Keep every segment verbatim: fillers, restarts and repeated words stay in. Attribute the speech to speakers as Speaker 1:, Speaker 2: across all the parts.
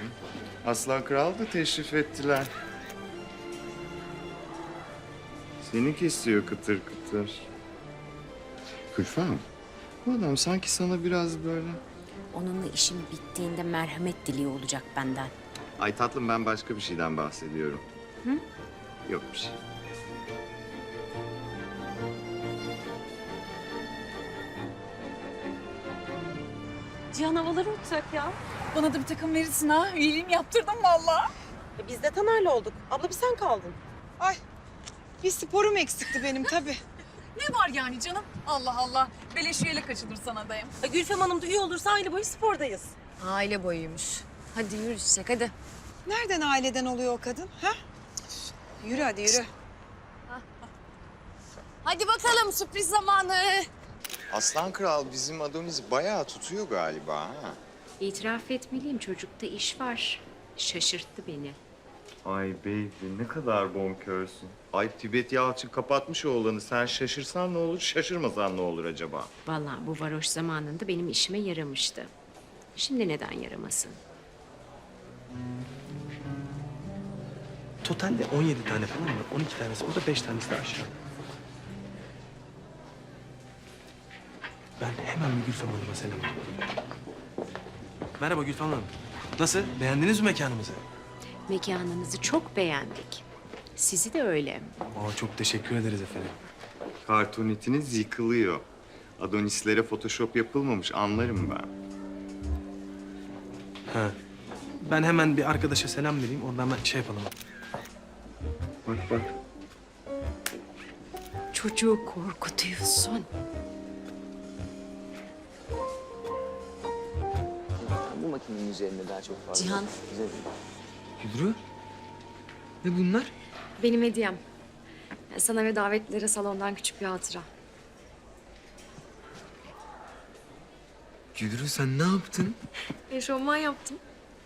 Speaker 1: Aslan Kral da teşrif ettiler. Seni kesiyor kıtır kıtır. Gülfem, bu adam sanki sana biraz böyle...
Speaker 2: Onunla işim bittiğinde merhamet diliyor olacak benden.
Speaker 1: Ay tatlım, ben başka bir şeyden bahsediyorum.
Speaker 2: Hı?
Speaker 1: Yok bir şey.
Speaker 3: Cihan havaları uçacak ya.
Speaker 4: Bana da bir takım verirsin ha. Üyeliğimi yaptırdım vallahi.
Speaker 3: E biz de Taner'le olduk. Abla bir sen kaldın.
Speaker 5: Ay bir sporum eksikti benim tabii.
Speaker 4: Ne var yani canım? Allah Allah. Beleş üyelik açılır sana dayım.
Speaker 3: E Gülfem Hanım da üye olursa aile boyu spordayız.
Speaker 2: Aile boyuymuş. Hadi yürü Çiçek hadi.
Speaker 5: Nereden aileden oluyor o kadın? Ha? Yürü hadi yürü.
Speaker 2: Hadi bakalım sürpriz zamanı.
Speaker 1: Aslan Kral bizim Adonis bayağı tutuyor galiba ha.
Speaker 2: İtiraf etmeliyim, çocukta iş var. Şaşırttı beni.
Speaker 1: Ay baby, ne kadar bonkörsün. Ay Tibet Yalçın kapatmış oğlanı. Sen şaşırsan ne olur, şaşırmasan ne olur acaba?
Speaker 2: Vallahi bu varoş zamanında benim işime yaramıştı. Şimdi neden yaramasın?
Speaker 6: Totalde on yedi tane falan var. on iki tanesi burada, beş tanesi de aşağıda. Ben hemen bir Gülfem Hanım'a selam ediyorum. Merhaba Gülfem Hanım. Nasıl? Beğendiniz mi mekanımızı?
Speaker 2: Mekanınızı çok beğendik. Sizi de öyle.
Speaker 6: Aa, çok teşekkür ederiz efendim.
Speaker 1: Kartonetiniz yıkılıyor. Adonislere photoshop yapılmamış, anlarım ben.
Speaker 6: Ha. Ben hemen bir arkadaşa selam vereyim. Oradan ben şey yapalım.
Speaker 1: Bak bak.
Speaker 2: Çocuğu korkutuyorsun.
Speaker 7: Bu makinenin üzerinde daha çok fazla.
Speaker 2: Cihan.
Speaker 7: Güzel.
Speaker 8: Güdrü? Ne bunlar?
Speaker 9: Benim hediyem. Sana ve davetlilere salondan küçük bir hatıra.
Speaker 8: Güdrü sen ne yaptın?
Speaker 9: Eşofman yaptım.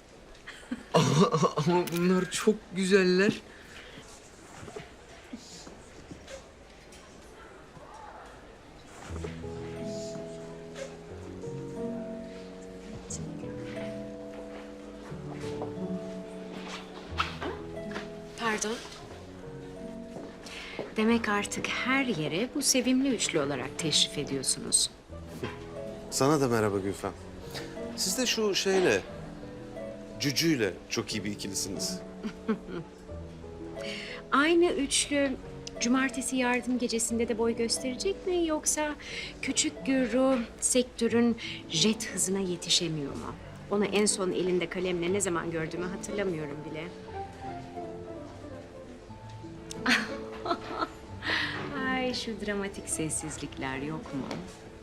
Speaker 8: Ama bunlar çok güzeller.
Speaker 9: Pardon.
Speaker 2: Demek artık her yere bu sevimli üçlü olarak teşrif ediyorsunuz.
Speaker 10: Sana da merhaba Gülfem. Siz de şu şeyle, Cücü'yle çok iyi bir ikilisiniz.
Speaker 2: Aynı üçlü cumartesi yardım gecesinde de boy gösterecek mi, yoksa küçük Gürru sektörün jet hızına yetişemiyor mu? Onu en son elinde kalemle ne zaman gördüğümü hatırlamıyorum bile. Ay şu dramatik sessizlikler yok mu?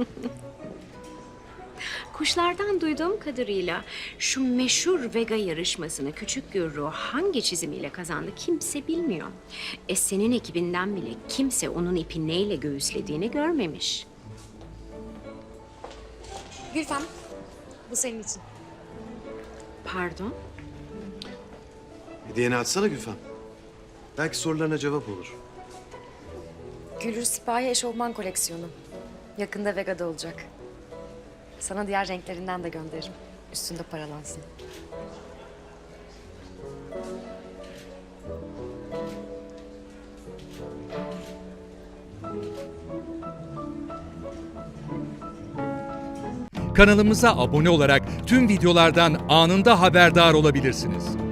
Speaker 2: Kuşlardan duyduğum kadarıyla şu meşhur Vega yarışmasını küçük Gürru hangi çizimiyle kazandı kimse bilmiyor. E senin ekibinden bile kimse onun ipi neyle göğüslediğini görmemiş.
Speaker 9: Gülfem, bu senin için.
Speaker 2: Pardon?
Speaker 10: Hediyeni açsana Gülfem. Belki sorularına cevap olur.
Speaker 9: Gülür Sipahi eşofman koleksiyonu. Yakında Vega'da olacak. Sana diğer renklerinden de gönderirim. Üstünde paralansın.
Speaker 11: Kanalımıza abone olarak tüm videolardan anında haberdar olabilirsiniz.